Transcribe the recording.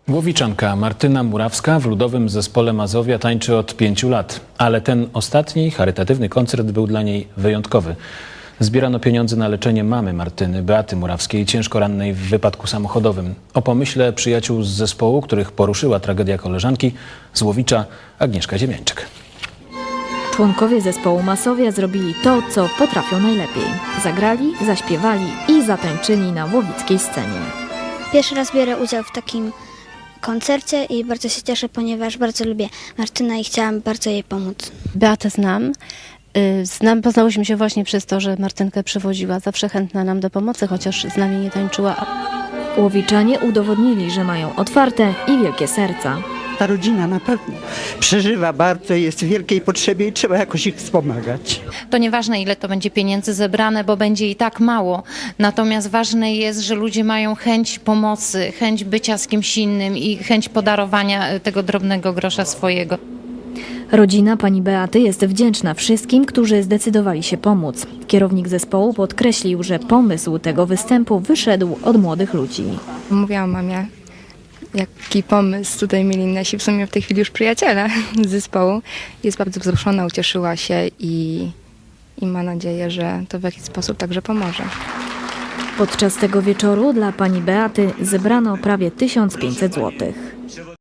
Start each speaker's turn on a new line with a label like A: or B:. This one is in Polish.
A: Łowiczanka Martyna Murawska w Ludowym Zespole Mazowia tańczy od 5 lat, ale ten ostatni charytatywny koncert był dla niej wyjątkowy. Zbierano pieniądze na leczenie mamy Martyny, Beaty Murawskiej, ciężko rannej w wypadku samochodowym. O pomyśle przyjaciół z zespołu, których poruszyła tragedia koleżanki, z Łowicza Agnieszka Ziemiańczyk.
B: Członkowie zespołu Mazowia zrobili to, co potrafią najlepiej. Zagrali, zaśpiewali i zatańczyli na łowickiej scenie.
C: Pierwszy raz biorę udział w takim koncercie i bardzo się cieszę, ponieważ bardzo lubię Martynę i chciałam bardzo jej pomóc.
D: Beatę znam. Poznałyśmy się właśnie przez to, że Martynkę przywoziła, zawsze chętna nam do pomocy, chociaż z nami nie tańczyła.
B: Łowiczanie udowodnili, że mają otwarte i wielkie serca.
E: Ta rodzina na pewno przeżywa bardzo, jest w wielkiej potrzebie i trzeba jakoś ich wspomagać.
F: To nieważne, ile to będzie pieniędzy zebrane, bo będzie i tak mało. Natomiast ważne jest, że ludzie mają chęć pomocy, chęć bycia z kimś innym i chęć podarowania tego drobnego grosza swojego.
B: Rodzina pani Beaty jest wdzięczna wszystkim, którzy zdecydowali się pomóc. Kierownik zespołu podkreślił, że pomysł tego występu wyszedł od młodych ludzi.
G: Mówiłam mamie, jaki pomysł tutaj mieli nasi w sumie w tej chwili już przyjaciele z zespołu. Jest bardzo wzruszona, ucieszyła się i ma nadzieję, że to w jakiś sposób także pomoże.
B: Podczas tego wieczoru dla pani Beaty zebrano prawie 1500 zł.